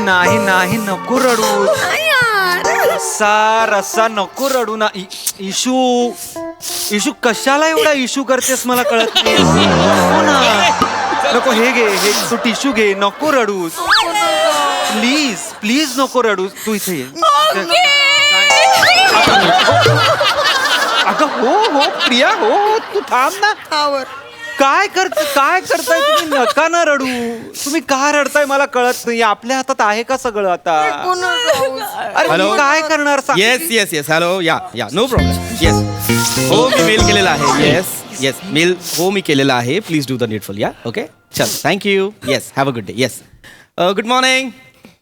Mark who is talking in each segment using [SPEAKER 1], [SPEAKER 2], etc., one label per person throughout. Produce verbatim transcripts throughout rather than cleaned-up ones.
[SPEAKER 1] नाही नाही नको रडू. सार असा नको रडू ना. इ- इशू इशू कशाला एवढा इशू करतेस मला कळत नाही. नको ना. नको हे घे हे तू टिश्यू घे. नको रडूस प्लीज प्लीज नको रडूस. तू इथे ये. अगं हो हो प्रिया हो हो तू थांब ना. काय करत काय करताय तुम्ही. नका ना रडू. तुम्ही का रडताय मला कळत नाही. आपल्या हातात आहे का सगळं आता. अरे
[SPEAKER 2] Hello?
[SPEAKER 1] मी काय करणार सांग.
[SPEAKER 2] येस येस येस हॅलो या या नो प्रॉब्लेम. येस हो मी मेल केलेला आहे. येस येस मेल हो मी केलेला आहे. Please do the needful. या ओके चल thank you. Yes have a good day. Yes good morning.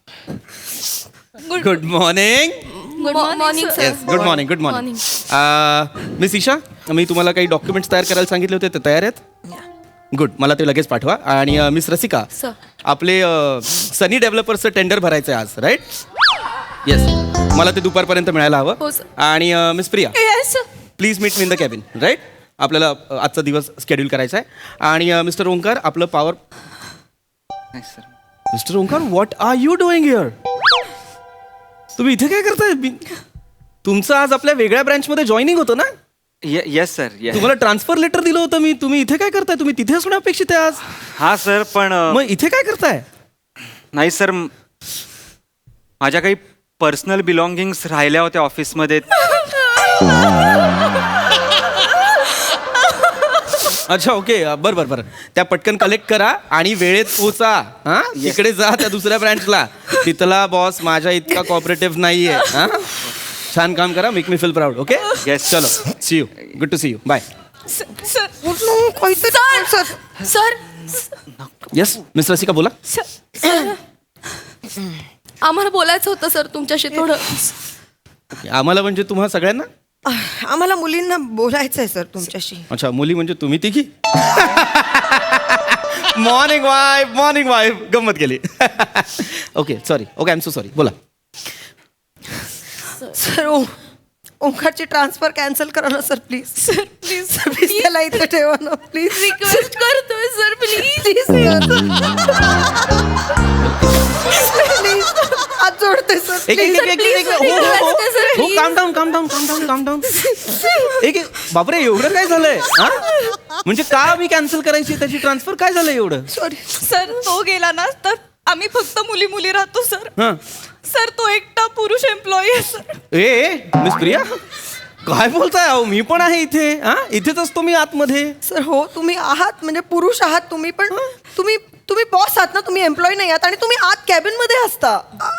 [SPEAKER 2] Good morning.
[SPEAKER 3] Good morning
[SPEAKER 2] yes good morning good morning. Miss Isha मी तुम्हाला काही डॉक्युमेंट्स तयार करायला सांगितले होते ते तयार आहेत. गुड मला ते लगेच पाठवा. आणि मिस रसिका
[SPEAKER 3] Sir.
[SPEAKER 2] आपले सनी डेव्हलपर्सचं टेंडर भरायचं आहे आज राईट. येस मला ते दुपारपर्यंत मिळायला हवं.
[SPEAKER 3] हो, sir.
[SPEAKER 2] आणि miss Priya
[SPEAKER 3] yes
[SPEAKER 2] please meet me in the cabin right. आपल्याला अ, आजचा दिवस शेड्यूल करायचा आहे. आणि मिस्टर ओंकार आपलं पॉवर.
[SPEAKER 1] नाही, sir.
[SPEAKER 2] Mister Omkar what are you doing here. तुम्ही इथे काय करताय. मी- तुमचं आज आपल्या वेगळ्या ब्रँचमध्ये जॉईनिंग होतं ना.
[SPEAKER 1] ये- येस सर येस.
[SPEAKER 2] तुम्हाला ट्रान्सफर लेटर दिलं होतं मी. तुम्ही इथे काय करताय. तुम्ही तिथे असणं अपेक्षित आहे आज.
[SPEAKER 1] हा सर पण अ,
[SPEAKER 2] मग इथे काय करताय.
[SPEAKER 1] नाही सर म- माझ्या काही पर्सनल बिलॉंगिंग्स राहिल्या होत्या ऑफिसमध्ये.
[SPEAKER 2] अच्छा ओके बरं बरं बरं त्या पटकन कलेक्ट करा आणि वेळेत पोचा. हा इकडे जा त्या दुसऱ्या ब्रँचला. तिथला बॉस माझ्या इतका कॉपरेटिव्ह नाहीये. हा छान काम करा. Make me feel proud. Okay
[SPEAKER 1] Yes.
[SPEAKER 2] चलो see you. Good to see you. Bye.
[SPEAKER 3] Sir sir
[SPEAKER 2] yes miss Rasika बोला.
[SPEAKER 3] आम्हाला बोलायचं होतं सर तुमच्याशी थोडं.
[SPEAKER 2] आम्हाला म्हणजे तुम्हाला सगळ्यांना.
[SPEAKER 4] आम्हाला मुलींना बोलायचं आहे सर तुमच्याशी.
[SPEAKER 2] अच्छा मुली म्हणजे तुम्ही तिघी. मॉर्निंग वाईफ मॉर्निंग वाईफ गंमत गेली. Okay sorry okay I am so sorry. बोला.
[SPEAKER 4] सर ओ ओंकारची ट्रान्सफर कॅन्सल करा ना sir please. Sir please please त्याला इथे ठेवा ना प्लीज.
[SPEAKER 3] रिक्वेस्ट करतोय सर प्लीज.
[SPEAKER 4] प्लीज हात जोडते सर.
[SPEAKER 2] एक एक एक एक एक हो हो हो हो
[SPEAKER 3] please.
[SPEAKER 2] काम डाऊन काम डाऊन काम डाऊन काम डाऊन. एक एक बापरे एवढं काय झालंय. हा म्हणजे का मी कॅन्सल करायची त्याची ट्रान्सफर काय झालं एवढं.
[SPEAKER 4] सॉरी
[SPEAKER 5] सर तो गेला ना तर आम्ही फक्त मुली मुली राहतो सर.
[SPEAKER 2] हां
[SPEAKER 5] सर तो एकटा पुरुष एम्प्लॉई आहे सर.
[SPEAKER 2] ए ए, मिस प्रिया काय बोलताय. अहो मी पण आहे इथे. हा इथेच असतो मी आतमध्ये.
[SPEAKER 4] सर हो तुम्ही आहात म्हणजे पुरुष आहात तुम्ही पण तुम्ही तुम्ही बॉस आहात ना. तुम्ही एम्प्लॉई नाही आहात आणि तुम्ही आत कॅबिन मध्ये असता.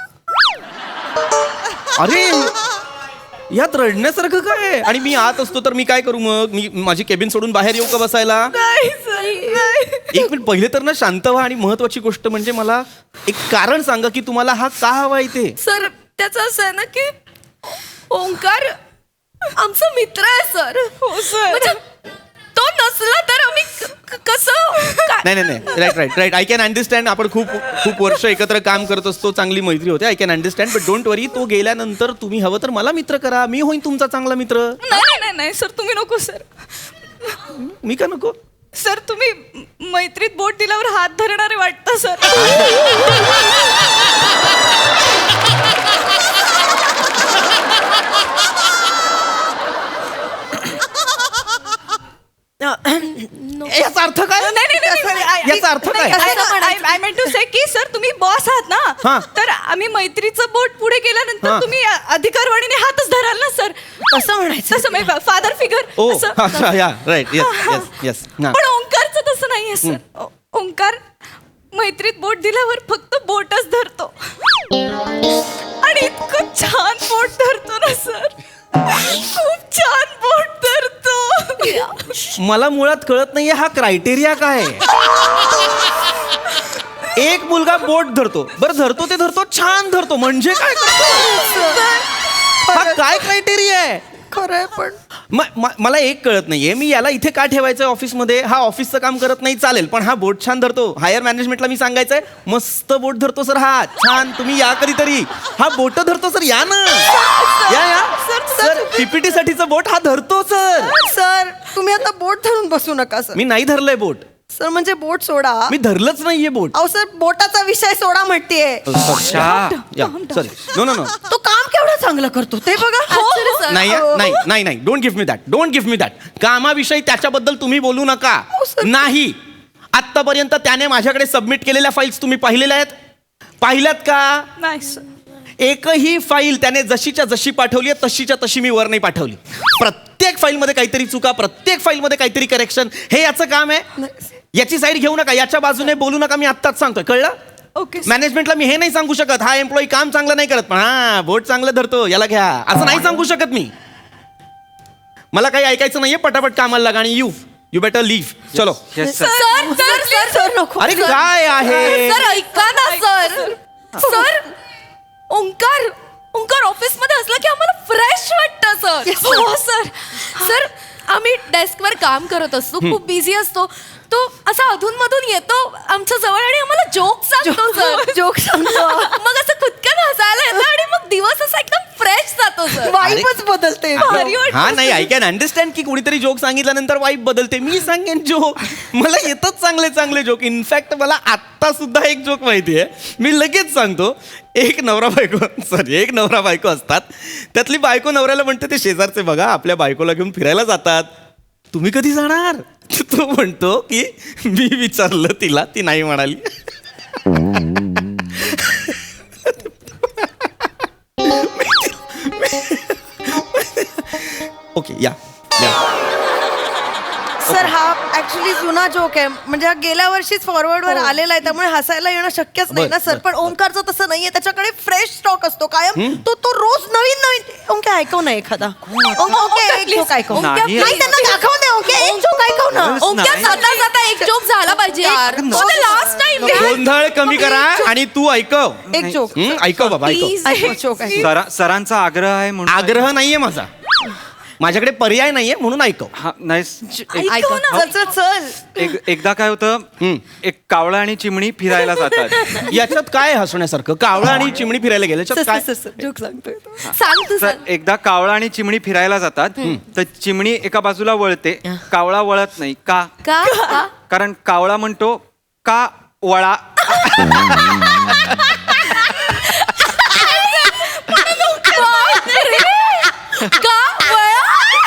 [SPEAKER 2] अरे यात रडण्यासारखं काय आहे? आणि मी आत असतो तर मी काय करू मग. मी माझी केबिन सोडून बाहेर येऊ का बसायला.
[SPEAKER 5] नाही सर नाही.
[SPEAKER 2] एक मिनिट पहिले तर ना शांत व्हा. आणि महत्वाची गोष्ट म्हणजे मला एक कारण सांगा की तुम्हाला हा का हवा इथे.
[SPEAKER 3] सर त्याचं असं आहे ना की ओंकार आमचा मित्र आहे सर.
[SPEAKER 5] हो सर.
[SPEAKER 3] म्हणजे तो नसला तर आम्ही क- क- कसं काय-
[SPEAKER 2] नाही नाही नाही right right right I can understand. आपण खूप खूप वर्ष एकत्र काम करत असतो. चांगली मैत्री होते. I can understand. But don't worry तो गेल्यानंतर तुम्ही हवं तर मला मित्र करा. मी होईन तुमचा चांगला मित्र.
[SPEAKER 5] नाही नाही नाही नाही सर तुम्ही नको सर.
[SPEAKER 2] मी का नको.
[SPEAKER 5] सर तुम्ही मैत्रीत बोट दिल्यावर हात धरणारे वाटतं सर.
[SPEAKER 2] याचा अर्थ काय.
[SPEAKER 5] नाही नाही नाही, नाही I-
[SPEAKER 2] याचा अर्थ काय?
[SPEAKER 5] आय मेंट टू से की सर तुम्ही बॉस आहात
[SPEAKER 2] हा.
[SPEAKER 5] ना. तर आम्ही मैत्रीचं बोट पुढे
[SPEAKER 2] हा.
[SPEAKER 5] गेल्यानंतर तुम्ही अधिकारवाणीने हातच धराल ना सर.
[SPEAKER 4] कसं म्हणायचं.
[SPEAKER 5] तसं फादर फिगर.
[SPEAKER 2] ओ अच्छा या राईट येस येस येस.
[SPEAKER 5] पण ओंकारचं तसं नाहीये सर. ओ- ओंकार मैत्रीत बोट दिल्यावर फक्त बोटच धरतो आणि इतकं छान बोट धरतो ना सर. खूप छान बोट धरतो.
[SPEAKER 2] मला मुळात कळत नाहीये हा क्रायटेरिया काय आहे. एक मुलगा बोट धरतो. बरं धरतो ते धरतो छान धरतो म्हणजे काय करतो. हा काय क्रायटेरिया आहे.
[SPEAKER 4] खरं आहे पण
[SPEAKER 2] म- म- मला एक कळत नाहीये. मी याला इथे का ठेवायचं ऑफिसमध्ये. हा ऑफिसचं काम करत नाही चालेल पण हा बोट छान धरतो. हायर मॅनेजमेंटला मी सांगायचंय मस्त बोट धरतो सर हा छान. तुम्ही या कधीतरी. हा बोट धरतो सर या ना. या या सर पीपीटी साठीचं बोट हा धरतो सर.
[SPEAKER 4] सर तुम्ही आता बोट धरून बसू नका सर.
[SPEAKER 2] मी नाही धरलंय बोट.
[SPEAKER 4] सर म्हणजे बोट सोडा.
[SPEAKER 2] मी धरलंच नाहीये बोट.
[SPEAKER 4] अहो सर बोटाचा विषय सोडा म्हणतेय.
[SPEAKER 2] सॉरी नो नो नो
[SPEAKER 4] तो काम केवढं चांगलं करतो ते बघा.
[SPEAKER 3] Actually, sir.
[SPEAKER 2] नाही
[SPEAKER 4] अहो.
[SPEAKER 2] नाही नाही नाही don't give me that don't give me that कामाविषयी त्याच्याबद्दल तुम्ही बोलू नका.
[SPEAKER 4] sir.
[SPEAKER 2] नाही आत्तापर्यंत त्याने माझ्याकडे सबमिट केलेल्या फाईल्स तुम्ही पाहिलेल्या आहेत पाहिल्यात का.
[SPEAKER 5] नाही सर.
[SPEAKER 2] एकही फाईल त्याने जशीच्या जशी पाठवली आहे तशीच्या तशी मी वर नाही पाठवली. प्रत्येक फाईलमध्ये काहीतरी चुका प्रत्येक फाईलमध्ये काहीतरी करेक्शन हे याचं काम आहे. याची साईड घेऊ नका याच्या बाजूने बोलू नका मी आत्ताच सांगतोय कळलं.
[SPEAKER 5] Okay sir.
[SPEAKER 2] मॅनेजमेंटला मी हे नाही सांगू शकत हा एम्प्लॉई काम चांगलं नाही करत पण हा बोट चांगलं धरतो याला घ्या असं नाही सांगू शकत मी. मला काही ऐकायचं नाहीये पटापट कामाला लागा आणि यू यू बेटर लिव्ह चलो.
[SPEAKER 1] Yes sir.
[SPEAKER 3] Sir sir sir
[SPEAKER 4] sir नको.
[SPEAKER 2] अरे काय आहे
[SPEAKER 3] सर ऐका ना sir. Sir Omkar Omkar office मध्ये असला की आम्हाला फ्रेश वाटतं सर. हो सर. सर आम्ही डेस्कवर काम करत असतो खूप बिझी असतो तो असा अधून मधून येतो आमच्या जवळ आणि आम्हाला जोक सांगतो सर.
[SPEAKER 4] जोक सांगतो.
[SPEAKER 3] मग असं खुदकन हसायला येतं आणि मग दिवस असा एकदम फ्रेश जातो सर.
[SPEAKER 4] वाईफच बदलते.
[SPEAKER 3] भारी वाटतं.
[SPEAKER 2] हा नाही आय कॅन अंडरस्टँड की कुणीतरी जोक सांगितल्यानंतर वाईब बदलते. मी सांगेन जोक मला येतच चांगले चांगले जोक. इनफॅक्ट मला आत्ता सुद्धा एक जोक माहिती आहे मी लगेच सांगतो. एक नवरा बायको सॉरी एक नवरा बायको असतात त्यातली बायको नवऱ्याला म्हणते ते शेजारचे बघा आपल्या बायकोला घेऊन फिरायला जातात तुम्ही कधी जाणार. तो म्हणतो की मी विचारलं तिला ती नाही म्हणाली. ओके या
[SPEAKER 4] सर हा ऍक्च्युली जुना जोक आहे म्हणजे हा गेल्या वर्षीच फॉरवर्ड वर आलेला आहे त्यामुळे हसायला येणं शक्यच नाही ना
[SPEAKER 2] बरं,
[SPEAKER 4] सर.
[SPEAKER 2] बरं,
[SPEAKER 4] पण ओंकारचं तसं नाहीये त्याच्याकडे फ्रेश स्टॉक असतो कायम. तो तो रोज नवीन नवीन ओंके ऐकव ना एखादा. ओंके एक जोक ऐकव.
[SPEAKER 1] नाही.
[SPEAKER 4] नाही त्यांना दाखव दे ओंके एक जोक ऐकव ना.
[SPEAKER 1] खरंच
[SPEAKER 3] ओंकार
[SPEAKER 1] नाही.
[SPEAKER 3] जाता जाता एक जोक झाला पाहिजे यार. लास्ट टाइम
[SPEAKER 2] गोंधळ कमी करा आणि तू ऐकव.
[SPEAKER 4] एक जोक
[SPEAKER 2] हं, ऐकव बाबा ऐकव.
[SPEAKER 3] प्लीज.
[SPEAKER 4] ऐकव जोक ऐकव.
[SPEAKER 1] सरा सरांचा आग्रह आहे म्हणून
[SPEAKER 2] आग्रह नाहीये माझा माझ्याकडे पर्याय नाहीये म्हणून ऐकव.
[SPEAKER 1] हा नाही एक-
[SPEAKER 3] ऐकव ना.
[SPEAKER 4] चल चल चल.
[SPEAKER 1] एक एकदा काय होतं
[SPEAKER 2] हं.
[SPEAKER 1] एक कावळा आणि चिमणी फिरायला जातात.
[SPEAKER 2] याच्यात काय हसण्यासारखं कावळा आणि चिमणी फिरायला गेले याच्यात काय
[SPEAKER 4] जोक सांगतोय तो.
[SPEAKER 3] सांग तू
[SPEAKER 1] तर
[SPEAKER 3] सर.
[SPEAKER 1] एकदा कावळा आणि चिमणी फिरायला जातात तर चिमणी एका बाजूला वळते कावळा वळत नाही का
[SPEAKER 3] का का?
[SPEAKER 1] कारण कावळा म्हणतो का वळा.
[SPEAKER 3] का वळा?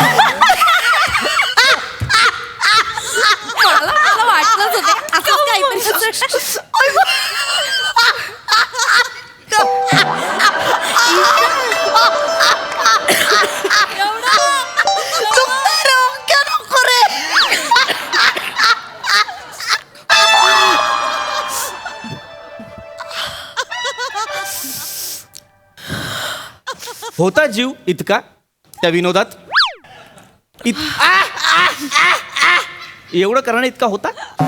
[SPEAKER 3] मला मला वाटलंच होतं असं काहीतरी.
[SPEAKER 2] होता जीव इतका त्या विनोदात इत- आ, आ, आ, आ. एवढं करणं इतका होता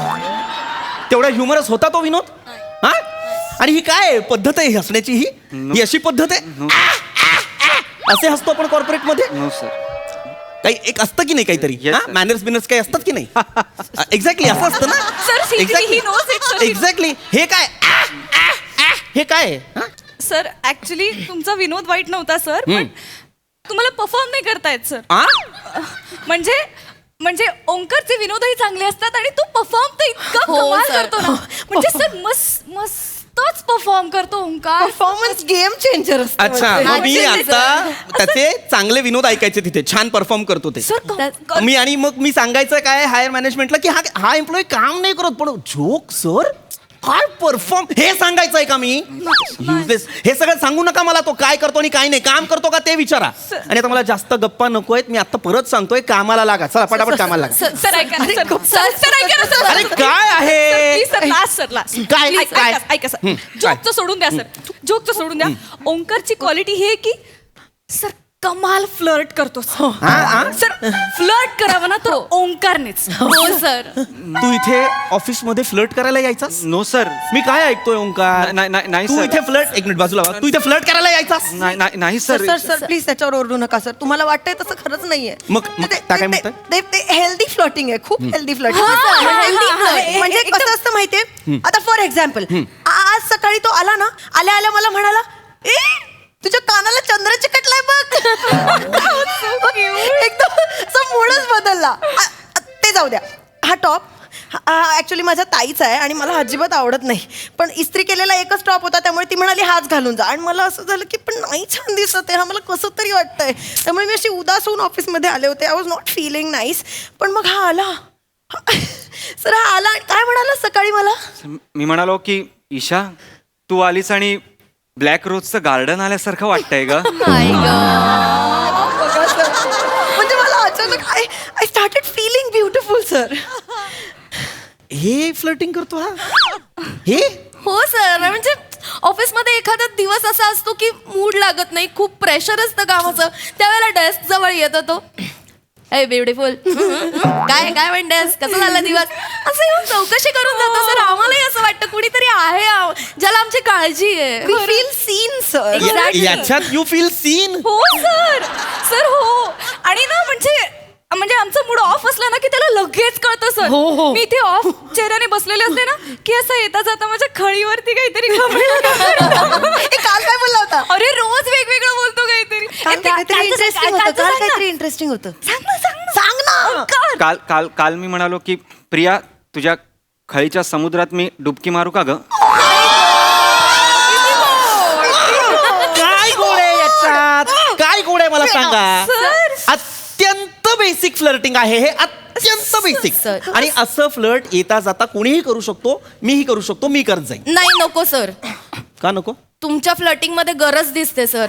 [SPEAKER 2] तेवढा ह्युमरस होता तो विनोद. हा आणि ही काय पद्धत आहे हसण्याची ही ही अशी पद्धत आहे. आ, आ, आ. असे हसतो आपण कॉर्पोरेट मध्ये
[SPEAKER 1] नो सर.
[SPEAKER 2] काही एक असतं की नाही काहीतरी
[SPEAKER 1] Yes, sir.
[SPEAKER 2] मॅनर्स बिनर्स काही असतात की नाही एक्झॅक्टली असं असतं
[SPEAKER 3] Sir, secretly he knows it,
[SPEAKER 2] ना
[SPEAKER 3] sir.
[SPEAKER 2] एक्झॅक्टली हे काय आ, आ, आ. हे काय आहे? हा?
[SPEAKER 5] सर ऍक्च्युली तुमचा विनोद वाईट नव्हता सर पण तुम्हाला परफॉर्म नाही करतायत सर.
[SPEAKER 2] आ?
[SPEAKER 5] म्हणजे म्हणजे ओंकारचे विनोदही चांगले असतात आणि तो परफॉर्म तर इतका
[SPEAKER 3] हो,
[SPEAKER 5] कमाल
[SPEAKER 3] sir.
[SPEAKER 5] करतो ना म्हणजे सर मस्त मस्तच परफॉर्म करतो ओंकार.
[SPEAKER 4] परफॉर्मन्स गेम चेंजर असतो.
[SPEAKER 2] अच्छा
[SPEAKER 4] म्हणजे.
[SPEAKER 2] मग मी
[SPEAKER 3] Actually,
[SPEAKER 2] आता त्याचे चांगले विनोद ऐकायचे तिथे छान परफॉर्म करतो ते.
[SPEAKER 5] सर क- क-
[SPEAKER 2] मी आणि मग मी सांगायचं काय हायर मॅनेजमेंटला की हा हा एम्प्लॉई काम नाही करत पण जोक सर काय परफॉर्म हे सांगायचं आहे का मी Useless. हे सगळं सांगू नका मला तो काय करतो आणि काय नाही काम करतो का ते विचारा. आणि आता मला जास्त गप्पा नको आहेत मी आता परत सांगतोय कामाला लागा चला पटापट कामाला लागा.
[SPEAKER 3] सर
[SPEAKER 5] सर ऐका ना, सर
[SPEAKER 3] सर
[SPEAKER 5] सर ऐका ना, सर
[SPEAKER 2] अरे काय आहे
[SPEAKER 5] please sir last sir last
[SPEAKER 2] काय?
[SPEAKER 5] Please,
[SPEAKER 2] काय?
[SPEAKER 5] ऐका ऐका सर
[SPEAKER 2] हं,
[SPEAKER 5] जोकचं सोडून द्या सर जोकचं सोडून द्या. ओंकारची क्वालिटी ही आहे की सर कमाल फ्लर्ट करतो
[SPEAKER 2] हा, हा?
[SPEAKER 5] सर फ्लर्ट करावं ना तर ओंकारनेच.
[SPEAKER 3] हो सर.
[SPEAKER 2] तू इथे ऑफिस मध्ये फ्लर्ट करायला यायचास
[SPEAKER 1] नो सर.
[SPEAKER 2] मी काय ऐकतोय ओंकार
[SPEAKER 1] नाही नाही नाही
[SPEAKER 2] तू
[SPEAKER 1] सर.
[SPEAKER 2] इथे फ्लर्ट एक मिनिट बाजूला वा. तू इथे फ्लर्ट करायला यायचास
[SPEAKER 1] नाही नाही नाही
[SPEAKER 4] sir
[SPEAKER 1] sir.
[SPEAKER 4] Sir sir please त्याच्यावर ओरडू नका सर तुम्हाला वाटतंय तसं खरंच नाहीये.
[SPEAKER 2] मग- मग
[SPEAKER 4] ते-
[SPEAKER 2] त्या काय
[SPEAKER 4] ते-
[SPEAKER 2] म्हणताय?
[SPEAKER 4] ते- ते हेल्दी फ्लॉटिंग आहे खूप हेल्दी फ्लॉटिंग.
[SPEAKER 3] हा, sir.
[SPEAKER 4] हेल्दी
[SPEAKER 3] हा, हा, हा.
[SPEAKER 4] म्हणजे
[SPEAKER 5] एकदम-
[SPEAKER 4] कसं असतं माहितीये आता फॉर एक्झाम्पल आज सकाळी तो आला ना आल्या आल्या मला म्हणाला ए तुझ्या कानाला चंद्र चिकटलाय बघ. एकदम असा मूडच बदलला. आ- आ- ते जाऊ द्या हा टॉप ऍक्च्युली माझ्या ताईचा आहे आणि मला अजिबात आवडत नाही. पण इस्त्री केलेला एकच टॉप होता त्यामुळे ती म्हणाली हाच घालून जा आणि मला असं झालं की पण नाही छान दिसत आहे, हा मला कसं तरी वाटतंय. त्यामुळे मी अशी उदास होऊन ऑफिसमध्ये आले होते. I was not feeling nice. पण मग हा आला सर, हा आला आणि काय म्हणाला सकाळी मला.
[SPEAKER 1] मी म्हणालो की ईशा तू आलीस आणि ब्लॅक रोजचं गार्डन आल्यासारखं वाटतंय ग.
[SPEAKER 4] म्हणजे मला अचानक I I started feeling beautiful sir.
[SPEAKER 2] हे फ्लर्टिंग करतो हा हे
[SPEAKER 3] हो सर, म्हणजे ऑफिसमध्ये एखादा दिवस असा असतो की मूड लागत नाही, खूप प्रेशर असतं कामाचं, त्यावेळेला डेस्क जवळ येतो तो ए ब्युटिफुल काय काय म्हणतेस, कसं झालं दिवस, असं येऊन चौकशी करून जातो सर. आम्हालाही असं वाटतं कुणीतरी आहे आव- ज्याला आमची काळजी आहे.
[SPEAKER 4] Feel seen sir.
[SPEAKER 3] Exactly.
[SPEAKER 2] याच्यात यू फील सीन.
[SPEAKER 5] हो सर सर हो. आणि ना म्हणजे म्हणजे आमचा मूड ऑफ असला ना की त्याला लगेच कळतं सर.
[SPEAKER 4] हो, हो.
[SPEAKER 5] मी इथे ऑफ चेहऱ्याने बसलेले असते ना की असं येता जाता माझ्या खळीवरती काहीतरी घमेलं.
[SPEAKER 4] ए, काल काय बोलला होता.
[SPEAKER 5] अरे रोज वेगवेगळं बोलतो काहीतरी.
[SPEAKER 4] काल
[SPEAKER 5] ए, का-
[SPEAKER 4] काहीतरी
[SPEAKER 5] कालचं
[SPEAKER 4] इंटरेस्टिंग
[SPEAKER 5] सांग,
[SPEAKER 4] होतं.
[SPEAKER 5] कालचं
[SPEAKER 4] काल
[SPEAKER 5] सांग ना.
[SPEAKER 4] काहीतरी इंटरेस्टिंग होतं.
[SPEAKER 5] सांग ना सांग ना
[SPEAKER 4] सांग ना.
[SPEAKER 5] काल.
[SPEAKER 1] काल काल काल मी म्हणालो की प्रिया तुझ्या खळीच्या समुद्रात मी डुबकी मारू का ग.
[SPEAKER 2] काय गोड आहे याच्यात, काय गोड आहे मला सांगा.
[SPEAKER 5] सर.
[SPEAKER 2] अत्यंत बेसिक फ्लर्टिंग आहे हे, अत्यंत बेसिक.
[SPEAKER 3] सर.
[SPEAKER 2] आणि असं फ्लर्ट येता जाता कोणीही करू शकतो, मीही करू शकतो, मी करत जाईन.
[SPEAKER 3] नाही नको सर,
[SPEAKER 2] का नको.
[SPEAKER 3] तुमच्या फ्लटिंग मध्ये गरज दिसते सर.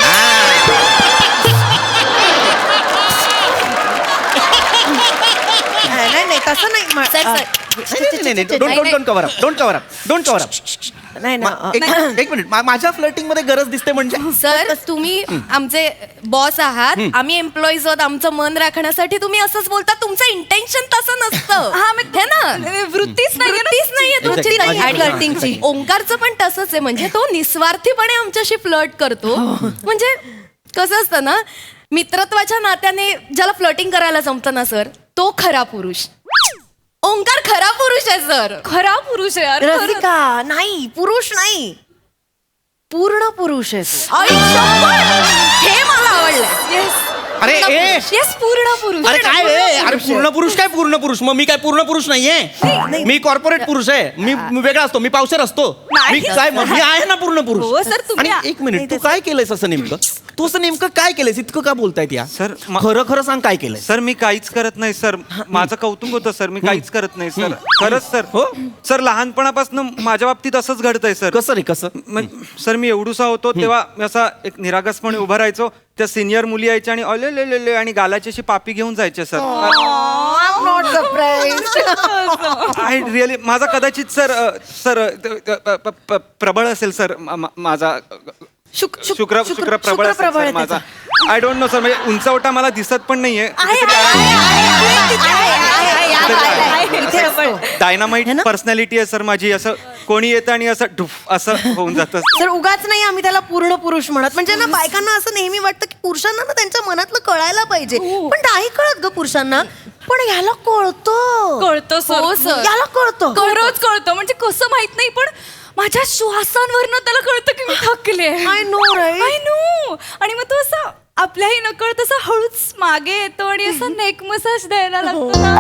[SPEAKER 4] नाही नाही तसं नाही म-
[SPEAKER 3] सर,
[SPEAKER 4] अ,
[SPEAKER 3] sir.
[SPEAKER 2] Don't cover up don't cover up don't cover up.
[SPEAKER 4] नाही ना अ,
[SPEAKER 2] एक मिनिट मा- माझ्या फ्लर्टिंग मध्ये गरज दिसते म्हणजे
[SPEAKER 3] सर तुम्ही आमचे बॉस आहात, आम्ही एम्प्लॉईज आहोत, आमचं मन राखण्यासाठी तुम्ही असंच बोलता. तुमचं इंटेन्शन तसं नसतं.
[SPEAKER 5] हा मी
[SPEAKER 3] हे ना
[SPEAKER 5] वृत्तीच नाही
[SPEAKER 3] वृत्तीच नाहीये तुमची
[SPEAKER 2] Exactly.
[SPEAKER 3] नाही
[SPEAKER 2] माझी-
[SPEAKER 3] फ्लर्टिंगची. ओंकारचं पण तसंच आहे, म्हणजे तो निस्वार्थीपणे आमच्याशी फ्लर्ट करतो. म्हणजे कसं असतं ना, मित्रत्वाच्या नात्याने ज्याला फ्लर्टिंग करायला जमतं ना सर, तो खरा पुरुष. ओंकार खरा पुरुष आहे सर.
[SPEAKER 5] खरा पुरुष आहे यार. खरंच.
[SPEAKER 4] रसिका नाही, पुरुष नाही, पूर्ण पुरुष आहे तो.
[SPEAKER 3] आई शपथ! हे मला आवडलं.
[SPEAKER 5] Yes.
[SPEAKER 2] अरे ए
[SPEAKER 5] Yes, पूर्ण पुरुष.
[SPEAKER 2] अरे काय रे, अरे पूर्ण पुरुष काय पूर्ण पुरुष, मग मी काय पूर्ण पुरुष नाहीये. मी कॉर्पोरेट पुरुष आहे, मी मी वेगळा असतो, मी पावसाळा असतो.
[SPEAKER 5] नाही.
[SPEAKER 2] मी काय मग मी आहे ना पूर्ण
[SPEAKER 5] हो,
[SPEAKER 2] पुरुष.
[SPEAKER 5] सर, तुम्ही
[SPEAKER 2] आणि एक मिनिट, तू काय केलंयस असं नेमकं, तू असं नेमकं काय केलंयस, इतकं का बोलतायत या.
[SPEAKER 1] सर, मा-
[SPEAKER 2] खरं खरं सांग काय केलंय.
[SPEAKER 1] सर मी काहीच करत नाही सर, माझं कौतुक होतं सर, मी काहीच करत नाही सर. खरंच सर.
[SPEAKER 2] हो?
[SPEAKER 1] सर लहानपणापासून माझ्या बाबतीत असंच घडतंय सर.
[SPEAKER 2] कसं रे कसं.
[SPEAKER 1] मग सर मी एवढूसा होतो तेव्हा मी असा एक निरागसपणे उभा राहायचो, त्या सिनियर मुली यायच्या आणि अले ले ले ले आणि गालाची अशी पापी घेऊन जायचे sir.
[SPEAKER 4] I'm not surprised.
[SPEAKER 1] I really माझा कदाचित सर अ, सर अ, प- प- प- प्रबळ असेल सर, मा- मा- माझा
[SPEAKER 4] शुक- शुक-
[SPEAKER 1] शुक्र
[SPEAKER 4] शुक्र-
[SPEAKER 1] शुक्र प्रबळ
[SPEAKER 4] शुक्र
[SPEAKER 1] असेल
[SPEAKER 4] प्रबळ
[SPEAKER 1] सर
[SPEAKER 4] आहे
[SPEAKER 1] माझा. आय डोंट नो सर, म्हणजे उंचवटा मला दिसत पण नाहीये. डायनामाइट पर्सनॅलिटी आहे सर माझी. असं कोणी येतं आणि असं ढुफ असं होऊन जातं.
[SPEAKER 4] सर उगाच नाही आम्ही त्याला पूर्ण पुरुष म्हणत. म्हणजे ना बायकांना असं नेहमी वाटतं की पुरुषांना ना त्यांच्या मनातलं कळायला पाहिजे, पण नाही कळत ग पुरुषांना. पण याला कळतं.
[SPEAKER 5] कळतं सर.
[SPEAKER 3] हो सर.
[SPEAKER 4] याला कळतं.
[SPEAKER 5] खरंच कळतं. म्हणजे कसं माहित नाही, पण माझ्या श्वासांवरनं त्याला कळतं की मी थकले.
[SPEAKER 4] I know, right?
[SPEAKER 5] I know. आणि मग तो असं आपल्याही नकळत असं हळूच मागे येतो आणि असं नेक मसाज द्यायला लागतो ना.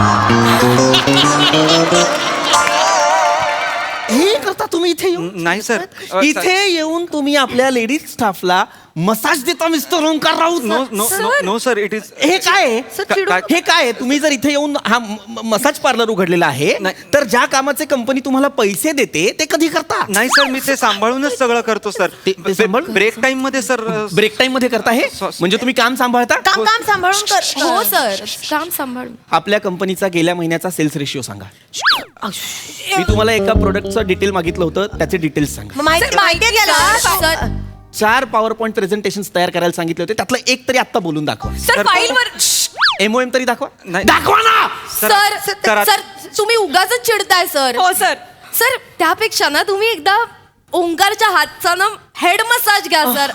[SPEAKER 2] हे करता तुम्ही इथे येऊन.
[SPEAKER 1] नाही सर. अ,
[SPEAKER 2] इथे येऊन तुम्ही आपल्या लेडीज स्टाफला मसाज देता mister Omkar Raut.
[SPEAKER 1] No no no no sir, it is
[SPEAKER 2] हे काय आहे?
[SPEAKER 4] सर,
[SPEAKER 2] का-
[SPEAKER 4] चिडू-
[SPEAKER 2] हे काय आहे? तुम्ही जर इथे येऊन हा म- म- मसाज पार्लर उघडलेला आहे,
[SPEAKER 1] नाही.
[SPEAKER 2] तर ज्या कामाचे कंपनी तुम्हाला पैसे देते ते कधी करता.
[SPEAKER 1] नाही सर, मी ते सांभाळूनच सगळं करतो सर.
[SPEAKER 2] ते- ते सांभाळून?
[SPEAKER 1] ब्रेक टाइम मध्ये सर. अ,
[SPEAKER 2] ब्रेक टाइम मध्ये करता हे,
[SPEAKER 1] सॉ-
[SPEAKER 2] म्हणजे तुम्ही काम सांभाळता.
[SPEAKER 4] काम काम सांभाळून कर.
[SPEAKER 3] हो सर, काम सांभाळून.
[SPEAKER 2] आपल्या कंपनीचा गेल्या महिन्याचा सेल्स रेशिओ सांगा. मी तुम्हाला एका प्रोडक्टचं डिटेल मागितलं होतं, त्याचे डिटेल्स सांगा.
[SPEAKER 4] मग माहिती माहिती आहे त्याला.
[SPEAKER 3] सर
[SPEAKER 2] चार पॉवर पॉईंट प्रेझेंटेशन तयार करायला सांगितले होते, त्यातलं एक तरी आत्ता बोलून दाखवा.
[SPEAKER 5] सर फाईलवर
[SPEAKER 2] एमओएम तरी दाखवा.
[SPEAKER 1] नाही.
[SPEAKER 2] दाखवा ना.
[SPEAKER 3] सर
[SPEAKER 1] सर,
[SPEAKER 3] सर तुम्ही उगाच चिडताय सर.
[SPEAKER 5] हो सर.
[SPEAKER 3] सर त्यापेक्षा ना तुम्ही एकदा ओंकारच्या हातचा ना हेड मसाज घ्या सर.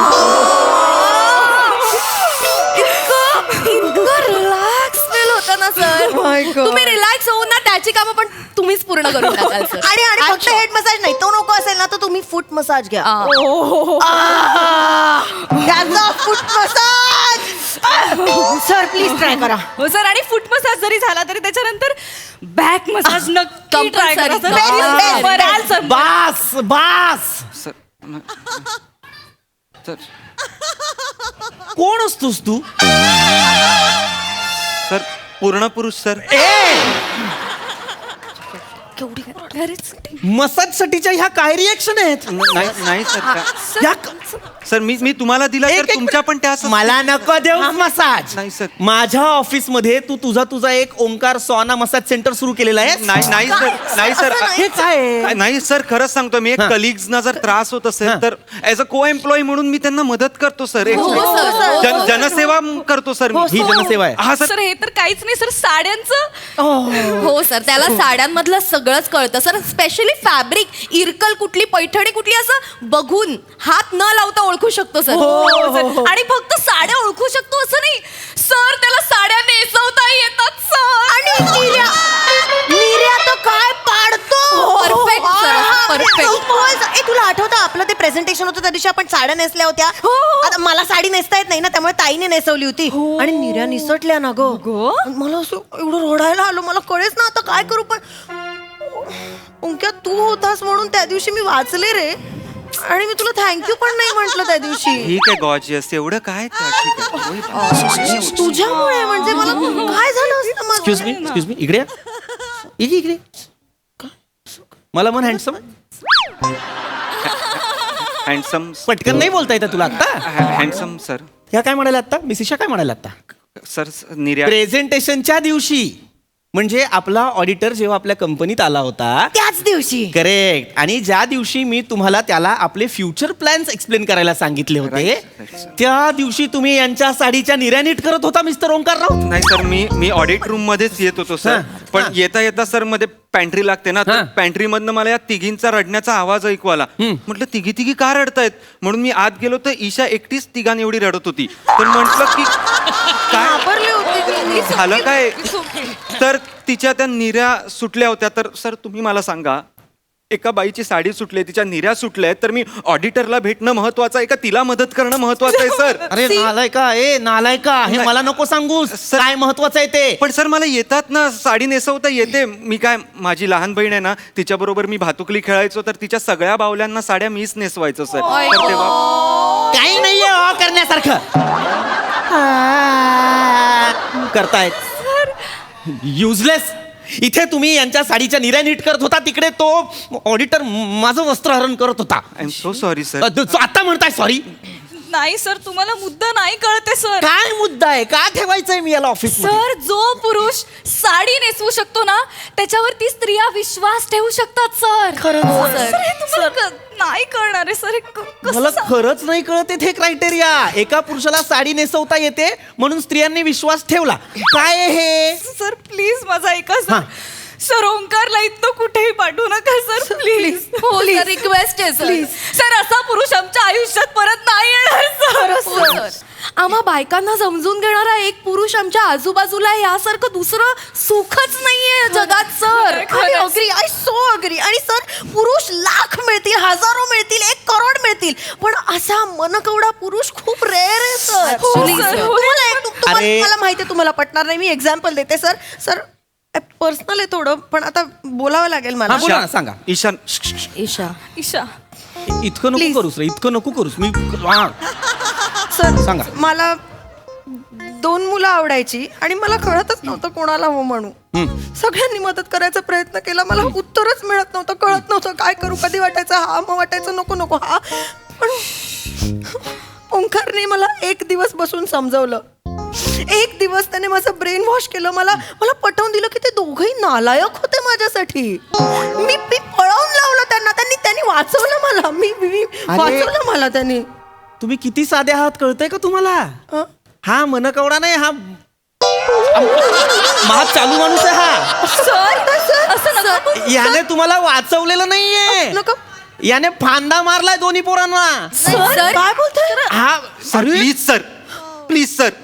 [SPEAKER 3] इतकं इतकं रिलॅक्स फील होतं ना सर.
[SPEAKER 4] my God.
[SPEAKER 3] तुम्ही रिलॅक्स होऊन ना त्याची कामं पण तुम्हीच पूर्ण करून टाकाल सर.
[SPEAKER 4] आणि आणि फक्त हेड मसाज नाही, तो नको असेल ना तर तुम्ही फूट मसाज घ्या.
[SPEAKER 3] आ.
[SPEAKER 4] त्याचा foot massage sir please try करा.
[SPEAKER 5] हो सर, आणि फुट मसाज जरी झाला तरी त्याच्यानंतर बॅक मसाज नक्की ट्राय करा सर.
[SPEAKER 3] Compulsory.
[SPEAKER 5] Please, बरं, आल सर.
[SPEAKER 2] बास बास
[SPEAKER 1] सर न- सर
[SPEAKER 2] कोण असतोस तू?
[SPEAKER 1] सर पूर्ण पुरुष सर.
[SPEAKER 2] मसाज साठीच्या ह्या काय रिएक्शन आहेत?
[SPEAKER 1] नाही नाही सर त्या-
[SPEAKER 2] या
[SPEAKER 1] सर मी मी तुम्हाला दिला
[SPEAKER 2] एक-
[SPEAKER 1] तर
[SPEAKER 2] एक-
[SPEAKER 1] तुमच्या पण त्या
[SPEAKER 2] मला नको देऊ मसाज.
[SPEAKER 1] नाही, सर.
[SPEAKER 2] माझ्या ऑफिस मध्ये तू तुझा तुझा एक ओंकार सोना मसाज सेंटर सुरू केलेला आहे.
[SPEAKER 1] नाही नाही सर नाही सर
[SPEAKER 2] हे काय आहे?
[SPEAKER 1] काय- नाही सर खरंच सांगतो मी एक
[SPEAKER 2] हा.
[SPEAKER 1] कलिग्सना जर त्रास होत
[SPEAKER 2] हा.
[SPEAKER 1] असेल तर ऍज अ को एम्प्लॉई म्हणून मी त्यांना मदत करतो सर एक
[SPEAKER 3] हो, सर, हो,
[SPEAKER 1] जन-
[SPEAKER 3] हो,
[SPEAKER 1] जनसेवा करतो सर मी
[SPEAKER 2] ही जनसेवा आहे.
[SPEAKER 1] हा सर
[SPEAKER 5] सर हे तर काहीच नाही सर, साड्यांचं.
[SPEAKER 3] हो सर त्याला साड्यांमधलं सगळंच कळतं सर. स्पेशली फॅब्रिक, इरकल कुठली, पैठणी कुठली असं बघून हात न लावता ओळखू शकतो सर.
[SPEAKER 5] हो, सर. आणि फक्त साड्या ओळखू शकतो असं नाही सर, त्याला साड्या नेसवता येतात सर.
[SPEAKER 4] आणि निर्या निर्या तर काय पाडतो.
[SPEAKER 3] Perfect, sir. Perfect.
[SPEAKER 4] होय, ए, तुला आठवतं आपलं ते प्रेझेंटेशन होतं त्या दिवशी आपण साड्या नेसल्या होत्या. आता मला साडी नेसता येत नाही ना, त्यामुळे ताईने नेसवली होती आणि निर्या निसटल्या ना ग. मला असं एवढं रडायला आलो, मला कळेच ना आता काय करू. पण उंक्या तू होतास म्हणून त्या दिवशी मी वाचले रे, आणि मी तुला थँक्यू पण नाही म्हंटल त्या दिवशी.
[SPEAKER 1] ठीक आहे गॉर्जियस एवढं काय त्या- ठीक आहे.
[SPEAKER 4] तुझ्यामुळे म्हणजे मला काय झालं असतं मग?
[SPEAKER 2] एक्सक्यूज मी एक्सक्यूज मी इकडे या. इकडे इकडे मला मन हँडसम.
[SPEAKER 1] हँडसम
[SPEAKER 2] पटकन नाही बोलता येतं तुला आता.
[SPEAKER 1] हँडसम सर
[SPEAKER 2] ह्या काय म्हणाल्या आता? मिसिशा काय म्हणाल्या आता?
[SPEAKER 1] सर निर्या
[SPEAKER 2] प्रेझेंटेशनच्या दिवशी म्हणजे आपला ऑडिटर जेव्हा आपल्या कंपनीत आला होता
[SPEAKER 4] त्याच दिवशी.
[SPEAKER 2] करेक्ट. आणि ज्या दिवशी मी तुम्हाला त्याला आपले फ्युचर प्लॅन्स एक्सप्लेन करायला सांगितले होते
[SPEAKER 1] Right, right, sir.
[SPEAKER 2] त्या दिवशी तुम्ही यांच्या साडीच्या निर्या नीट करत होता मिस्टर ओंकार राऊत.
[SPEAKER 1] नाही सर मी मी ऑडिट रूम मध्येच येत होतो सर.
[SPEAKER 2] हा,
[SPEAKER 1] पण
[SPEAKER 2] हा.
[SPEAKER 1] येता येता सर मध्ये पॅन्ट्री लागते ना,
[SPEAKER 2] हा.
[SPEAKER 1] तर पॅन्ट्री मधनं मला या तिघींचा रडण्याचा आवाज ऐकू आला. म्हटलं तिघी तिघी का रडतायत म्हणून मी आत गेलो तर ईशा एकटीच तिघां एवढी रडत होती. तर म्हटलं की काय
[SPEAKER 4] घाबरले होते मी.
[SPEAKER 1] झालं काय. तर तिच्या त्या निऱ्या सुटल्या होत्या. तर सर तुम्ही मला सांगा, एका बाईची साडी सुटली, तिच्या निऱ्या सुटल्या, तर मी ऑडिटरला भेटणं महत्वाचं आहे का तिला मदत करणं महत्वाचं आहे सर?
[SPEAKER 2] अरे नालायका, ए नालायका, हे
[SPEAKER 1] नाही.
[SPEAKER 2] मला नको सांगूस.
[SPEAKER 1] सर-
[SPEAKER 2] काय महत्वाचं आहे ते.
[SPEAKER 1] पण सर मला येतात ना, साडी नेसवता येते. मी काय, माझी लहान बहीण आहे ना, तिच्या बरोबर मी भातुकली खेळायचो, तर तिच्या सगळ्या बावल्यांना साड्या मीच नेसवायचो सर. तर तेव्हा
[SPEAKER 2] काही नाहीये हो करण्यासारखं. करतायत युजलेस. इथे तुम्ही यांच्या साडीच्या निर्या नीट करत होता, तिकडे तो ऑडिटर माझं वस्त्रहरण करत होता.
[SPEAKER 1] I am so sorry sir.
[SPEAKER 2] अ, तू आता म्हणताय सॉरी?
[SPEAKER 5] नाही सर, तुम्हाला मुद्दा नाही कळते सर.
[SPEAKER 2] काय मुद्दा आहे? का ठेवायचंय मी याला ऑफिस?
[SPEAKER 5] सर, जो पुरुष साडी नेसवू शकतो ना, त्याच्यावरती स्त्रिया विश्वास ठेवू शकतात सर.
[SPEAKER 4] खरंच,
[SPEAKER 5] हो,
[SPEAKER 4] सर.
[SPEAKER 5] सर, हे तुम्हाला क- नाही कळणार आहे सर. हे क- कसं
[SPEAKER 2] मला
[SPEAKER 5] सांग-
[SPEAKER 2] खरंच नाही कळत हे क्रायटेरिया. एका पुरुषाला साडी नेसवता येते म्हणून स्त्रियांनी विश्वास ठेवला. काय आहे हे?
[SPEAKER 5] सर प्लीज माझा ऐका
[SPEAKER 2] हा.
[SPEAKER 5] सर. सर ओंकारला इथं कुठेही पाठवू नका सर प्लीज.
[SPEAKER 3] हो सर रिक्वेस्ट आहे सर.
[SPEAKER 5] सर असा पुरुष आमच्या आयुष्यात परत नाही येणार सर.
[SPEAKER 3] हो, सर. आम्हा बायकांना समजून घेणारा एक पुरुष आमच्या आजूबाजूला आहे, यासारखं दुसरं सुखच नाहीये जगात sir.
[SPEAKER 4] I agree, I so agree. आणि सर पुरुष लाख मिळतील, हजारो मिळतील, एक करोड मिळतील, पण असा मनकवडा पुरुष खूप रेअर आहे सर.
[SPEAKER 3] Actually,
[SPEAKER 4] हो,
[SPEAKER 3] sir.
[SPEAKER 4] sir. तुम्हाला एक- तु- तुम्हाला-
[SPEAKER 2] अरे.
[SPEAKER 4] मला माहिती आहे तुम्हाला पटणार नाही, मी एक्झाम्पल देते सर. सर पर्सनल आहे थोडं, पण आता बोलावं लागेल मला.
[SPEAKER 2] हा, बोला ना, सांगा.
[SPEAKER 1] ईशान
[SPEAKER 3] ईशा
[SPEAKER 5] ईशा
[SPEAKER 2] इतकं नको
[SPEAKER 4] Please.
[SPEAKER 2] करूस रे, इतकं नको करूस. मी हा.
[SPEAKER 4] सर
[SPEAKER 2] सांगा.
[SPEAKER 4] मला दोन मुलं आवडायची आणि मला कळतच नव्हतं कोणाला हो म्हणू. सगळ्यांनी मदत करायचा प्रयत्न केला, मला उत्तरच मिळत नव्हतं, कळत नव्हतं काय करू. कधी वाटायचं हा, मग वाटायचं नको नको हा. पण ओंकारने मला एक दिवस बसून समजवलं. एक दिवस त्याने माझं ब्रेन वॉश केलं. मला मला पटवून दिलं की ते दोघंही नालायक होते माझ्यासाठी. मी मी पळवून लावलं त्यांना, त्यांनी त्यांनी वाचवलं मला. मी मी वाचवलं मला त्यांनी.
[SPEAKER 2] तुम्ही किती साधे आहात कळतंय का तुम्हाला?
[SPEAKER 4] हं?
[SPEAKER 2] हा मनकवडा नाही, हा महा चालू माणूस आहे हा.
[SPEAKER 5] सर असं नका.
[SPEAKER 2] याने तुम्हाला वाचवलेलं नाहीये.
[SPEAKER 4] नको.
[SPEAKER 2] याने फांदा मारलाय दोन्ही पोरांना.
[SPEAKER 3] सर
[SPEAKER 4] काय बोलतोय?
[SPEAKER 2] हा
[SPEAKER 1] सर
[SPEAKER 2] अरे,
[SPEAKER 1] प्लीज सर, प्लीज सर,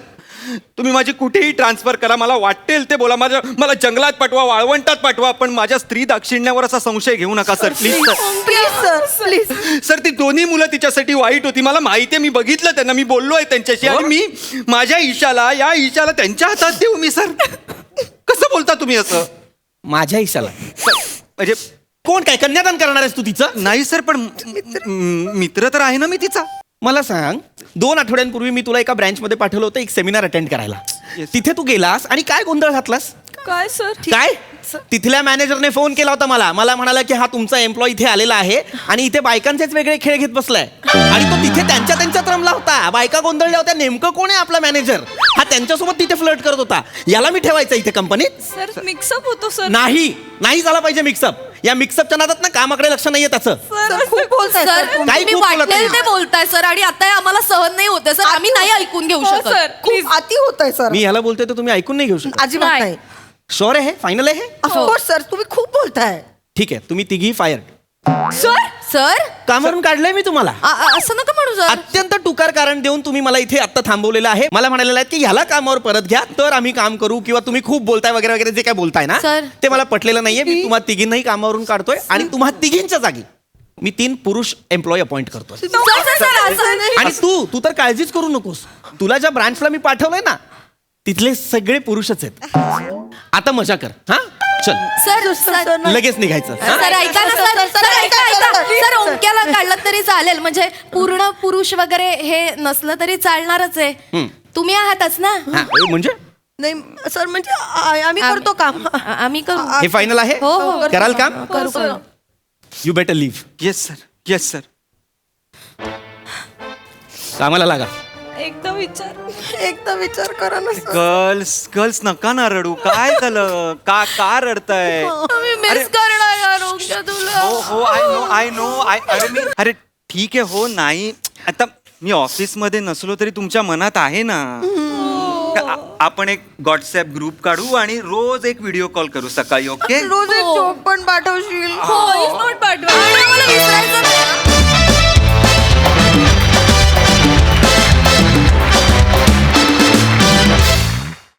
[SPEAKER 1] तुम्ही माझी कुठेही ट्रान्सफर करा, मला वाटेल ते बोला, माझ्या मला जंगलात पाठवा, वाळवंटात पाठवा, पण माझ्या स्त्री दाक्षिण्यावर असा संशय घेऊ नका sir, please sir.
[SPEAKER 4] Please sir please.
[SPEAKER 1] Sir ती दोन्ही मुलं तिच्यासाठी वाईट होती, मला माहिती आहे, मी बघितलं त्यांना, मी बोललोय त्यांच्याशी, आणि मी माझ्या ईशाला या ईशाला त्यांच्या हातात देऊ मी सर? कसं बोलता तुम्ही असं?
[SPEAKER 2] माझ्या ईशाला
[SPEAKER 1] म्हणजे
[SPEAKER 2] कोण काय कन्यादान करणार आहेस तू तिचं?
[SPEAKER 1] नाही सर, पण म- मित्र तर आहे ना मी तिचा.
[SPEAKER 2] मला सांग, दोन आठवड्यांपूर्वी मी तुला एका ब्रँचमध्ये पाठवलं होतं एक सेमिनार अटेंड करायला. तिथे तू गेलास आणि काय गोंधळ घातलास?
[SPEAKER 5] काय सर?
[SPEAKER 2] काय? तिथल्या मॅनेजरने फोन केला होता मला मला म्हणाला की हा तुमचा एम्प्लॉय इथे आलेला आहे आणि इथे बायकांचेच वेगळे खेळ घेत बसलाय. आणि तो तिथे त्यांच्या त्यांच्यात रमला होता, बायका गोंधळल्या होत्या, नेमकं कोण आहे आपला मॅनेजर? हा त्यांच्यासोबत तिथे फ्लर्ट करत होता. याला मी ठेवायचं इथे कंपनीत?
[SPEAKER 5] सर मिक्सअप होतो सर.
[SPEAKER 2] नाही नाही झाला पाहिजे मिक्सअप. या मिक्सअपच्या नादात ना कामाकडे लक्ष नाहीये त्याचं.
[SPEAKER 4] सर खूप बोलताय
[SPEAKER 3] सर
[SPEAKER 4] सर.
[SPEAKER 2] काही
[SPEAKER 3] तुम्ही
[SPEAKER 2] खूप बोलत
[SPEAKER 3] वाटेल
[SPEAKER 2] नाही.
[SPEAKER 3] ते बोलताय सर, आणि आता हे आम्हाला सहन नाही होते सर, आम्ही नाही ऐकून घेऊ
[SPEAKER 5] हो,
[SPEAKER 3] शकत.
[SPEAKER 5] सर.
[SPEAKER 4] खूप अति होत आहे सर.
[SPEAKER 2] मी ह्याला बोलतोय तर तुम्ही ऐकून नाही घेऊ शकत.
[SPEAKER 4] अजिबात
[SPEAKER 3] नाही.
[SPEAKER 4] नाही.
[SPEAKER 2] शोर आहे? फायनल आहे?
[SPEAKER 4] ऑफकोर्स सर, तुम्ही खूप बोलताय.
[SPEAKER 2] ठीक आहे, तुम्ही तिघी फायर.
[SPEAKER 3] सर सर
[SPEAKER 2] कामावरून काढलंय मी तुम्हाला.
[SPEAKER 3] आ- आ- असं नका म्हणू सर.
[SPEAKER 2] अत्यंत टुकार कारण देऊन तुम्ही मला इथे आता थांबवलेलं आहे. मला म्हणालेलं आहे की ह्याला कामावर परत घ्या तर आम्ही काम करू, किंवा तुम्ही खूप बोलताय वगैरे वगैरे जे काय बोलताय ना
[SPEAKER 3] सर.
[SPEAKER 2] ते मला पटलेलं नाहीये. मी तुम्हा तिघींनाही कामावरून काढतोय आणि तुम्हा तिघींच्या जागी मी तीन पुरुष एम्प्लॉय अपॉइंट करतोय.
[SPEAKER 3] सर, सर, सर, असं-
[SPEAKER 2] आणि तू तू तर काळजीच करू नकोस. तुला ज्या ब्रांचला मी पाठवलंय ना तिथले सगळे पुरुषच आहेत. आता मजा कर. हा चल
[SPEAKER 3] सर सर
[SPEAKER 2] लगेच निघायचं. हा?
[SPEAKER 3] सर ऐका ना सर सर ऐका ऐका सर, ओंक्याला काढलं तरी चालेल, म्हणजे पूर्ण पुरुष वगैरे हे नसलं तरी चालणारच आहे. तुम्ही आहातच ना?
[SPEAKER 2] हा, ए, म्हणजे
[SPEAKER 4] नाही सर, म्हणजे आ- आम्ही करतो काम.
[SPEAKER 3] आ- आम्ही करू.
[SPEAKER 2] हे फायनल आहे?
[SPEAKER 3] हो, हो.
[SPEAKER 2] कराल काम?
[SPEAKER 3] करू करू.
[SPEAKER 2] You better leave.
[SPEAKER 1] Yes sir, yes sir.
[SPEAKER 2] कामाला लागा.
[SPEAKER 5] एकदा विचार.
[SPEAKER 4] एकदा विचार करा ना सर.
[SPEAKER 1] गर्ल्स गर्ल्स नका ना रडू, काय झालं? का का रडताय?
[SPEAKER 3] आम्ही
[SPEAKER 1] अरे-
[SPEAKER 3] मिस करणार यार ओंक्या तुला.
[SPEAKER 1] हो हो I know I know I अरे मी अरे ठीक आहे, हो नाही आता मी ऑफिस मध्ये नसलो तरी तुमच्या मनात आहे ना. आ- आपण एक व्हॉट्सअप ग्रुप काढू आणि रोज एक व्हिडिओ कॉल करू सकाळी. ओके
[SPEAKER 4] रोज एक जोक पण पाठवशील.
[SPEAKER 3] हो